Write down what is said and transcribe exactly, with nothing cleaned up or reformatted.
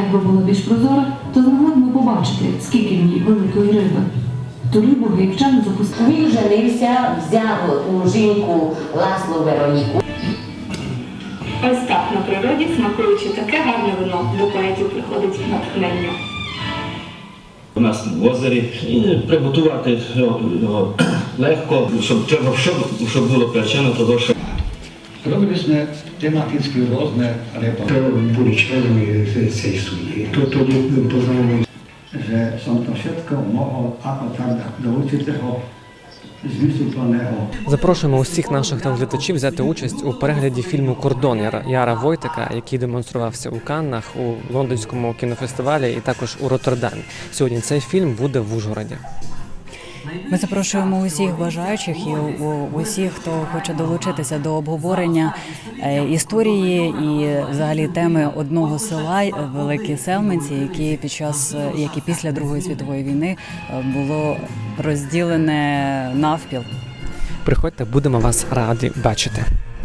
якби була більш прозора, то змогли б ми побачити, скільки в ній великої риби. Ту рибу гаївчани запустили. Він женився, взяв у жінку Ласло Вероніку. Ось так на природі, смакуючи таке гарне вино, до поетів приходить натхнення. У нас в озері і приготувати його легко, щоб, щоб, щоб було причина того, що Robili sme tematicky rôzne reportáže. Boli členmi tej súdy. Toto poznávame. Že som to všetko mohol ako tak do určitého zmysluplného. Запрошуємо усіх наших телеглядачів взяти участь у перегляді фільму «Кордон» Яра Войтека, який демонструвався у Каннах, у Лондонському кінофестивалі і також у Роттердамі. Сьогодні цей фільм буде в Ужгороді. Ми запрошуємо усіх бажаючих і усіх, хто хоче долучитися до обговорення історії і взагалі теми одного села Великі Селменці, які під час, які після Другої світової війни було розділене навпіл. Приходьте, будемо вас раді бачити.